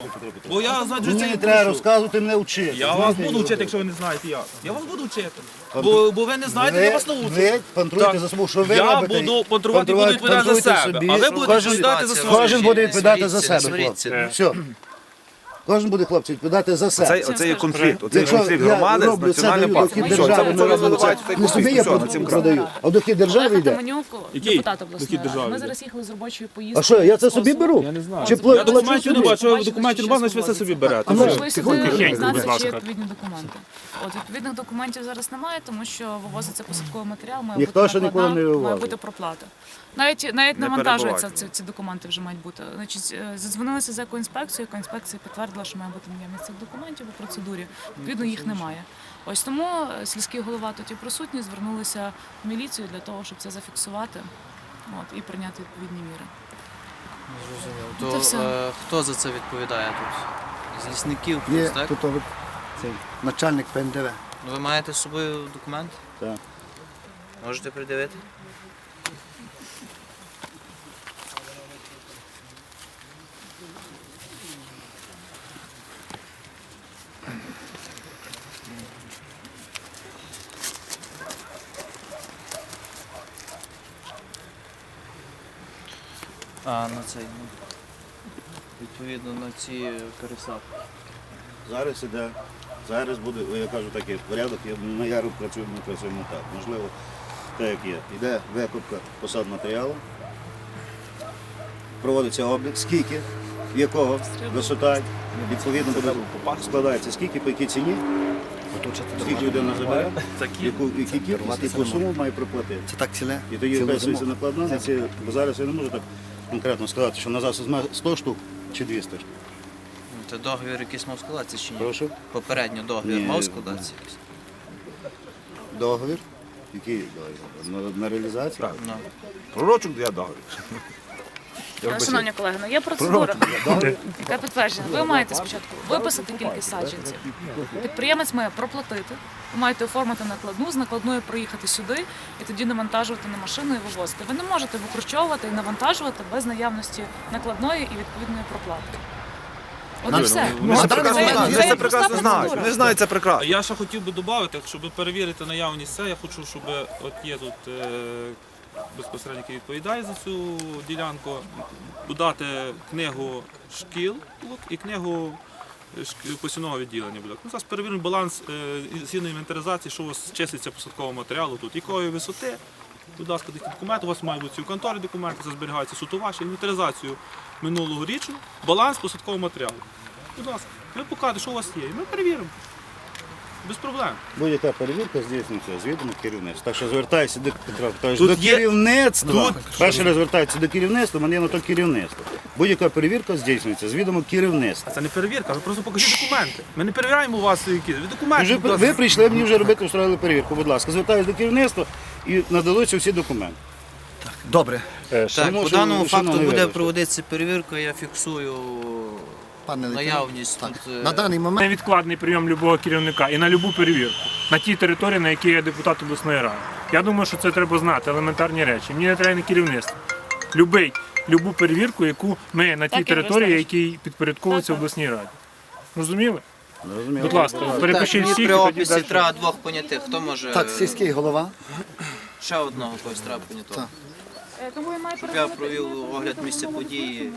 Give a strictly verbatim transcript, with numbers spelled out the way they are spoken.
Бо я знаю, що Мені це не не треба прошу. розказувати, мене вчити. Я вас буду вчити, якщо ви не знаєте як. Я вас буду вчити. Бо, бо ви не знаєте, я вас научу. Ви контролюйте Так. за собою, що ви Я робите. буду контролювати і буду відповідати за контролюйте себе. собі. А ви будете Кожен- відповідати за своє. Кожен буде відповідати за Сваріться, себе, не хлопці. сваріться. Все. Кожен буде, хлопці, відповідати за Оцей, себе. оцей є конфлікт, оцей Якщо конфлікт я громади з роблю це, національним даю дохід парком. Все, держави, це не ви роблю виливаєте це. цей Не собі конфлікт, я все, на цим край. продаю, а в дохід держави Олег йде. Атаманюк, Який? депутат обласної Який ради. державний Ми йде? зараз їхали з робочої поїздки. А що, я це собі беру? Я не знаю. Чи Я плачу документів не собі? бачу, Бачите, документів що не бачу, значить ви щас все собі берете. А ну, Прийшли сюди тихенько, будь дізнатися, ласка. чи є відповідні документи. От відповідних документів зараз немає, тому що вивозиться посадковий матеріал, має Ніхто бути ще ніколи накладна, не має вивозив. бути проплата. Навіть навіть Не навантажуються перебувайте. ці, ці документи вже мають бути. Значить, е, задзвонилися з екоінспекцією, екоінспекція підтвердила, що має бути наявність цих документів у процедурі. Відповідно, їх немає. Ось тому е, сільський голова тут і присутні звернулися в міліцію для того, щоб це зафіксувати, от, і прийняти відповідні міри. Зрозуміло. Це То все. е, хто за це відповідає тут? З лісників Є хтось, так? тут от цей начальник П Н Д В. Ну, ви маєте з собою документ? Так. Можете придивити? А, на цей, ну, відповідно на ці пересадки. Зараз іде, зараз буде, я кажу такий порядок, я на яру працюю, ми працюємо так. Можливо, так як є. Йде викупка посад матеріалу, проводиться облік, скільки, якого висота, відповідно буде складається скільки, по якій ціні, скільки людина забере, яку, які кількість, яку суму має проплатити. Це так ціле. І тоді вписується накладна на ці, бо зараз я не можу так конкретно сказати, що на зараз візьме сто штук чи двісті штук. Ну, Це договір якийсь мав складатися чи ні? Прошу. Попередньо договір Ні. мав складатися якийсь? Договір, який договір? На, на реалізацію? Ну. Пророчок я договір. Шановні колеги, ну є процедура, яка підтверджена. Ви маєте спочатку виписати кількість саджанців. Підприємець має проплатити, ви маєте оформити накладну, з накладною приїхати сюди і тоді навантажувати на машину і вивозити. Ви не можете викручовувати і навантажувати без наявності накладної і відповідної проплати. От і все. Вони це Це- прекрасно це- знають, це вони це є проста прекрасно знають. процедура. Вони знають це А прекрасно. я ще хотів би додати, щоб перевірити наявність це, я хочу, щоб от є тут е, безпосередньо, який відповідає за цю ділянку, додати книгу шкіл і книгу шк- посівного відділення. буде. Ну, зараз перевіримо баланс е, згідно інвентаризації, що у вас числиться посадкового матеріалу тут, якої висоти. Будь ласка, такі документи, у вас мають бути ці в конторі документи, це зберігаються суто ваші, інвентаризацію минулого річу, баланс посадкового матеріалу. Будь ласка, ви покажете, що у вас є, і ми перевіримо. Без проблем. Будь-яка перевірка здійснюється з відомо керівництва. Так що звертайся до Петра Петровича, Тут до є- керівництва. тут- Перший раз звертається до керівництва, мене на то керівництво. Будь-яка перевірка здійснюється з відомо керівництва. А це не перевірка, ви просто покажіть документи. Ми не перевіряємо у вас які. Ви документи. Вже, будь ласка. ви прийшли мені вже робити, устроїли перевірку. Будь ласка, звертаюся до керівництва і нададуться всі документи. Добре, Так, Тому по що, даному шановний факту буде вибачте. проводитися перевірка, я фіксую пане лейтенант. наявність Так. тут. е, На даний момент Невідкладний прийом будь-якого керівника і на будь-яку перевірку на тій території, на якій я депутат обласної ради. Я думаю, що це треба знати, елементарні речі. Мені не треба не керівництво. Любий, любу перевірку, яку ми на тій Так, я території, розумію. якій підпорядковується Так, так. обласній раді. Розуміли? Зрозуміло. Будь ласка, перепишіть Так, всіх. при і тоді описі далі. треба двох понятих. Хто може так, сільський голова. ще одного когось треба понятого? Так. Тому я маю Щоб я провів огляд місця події.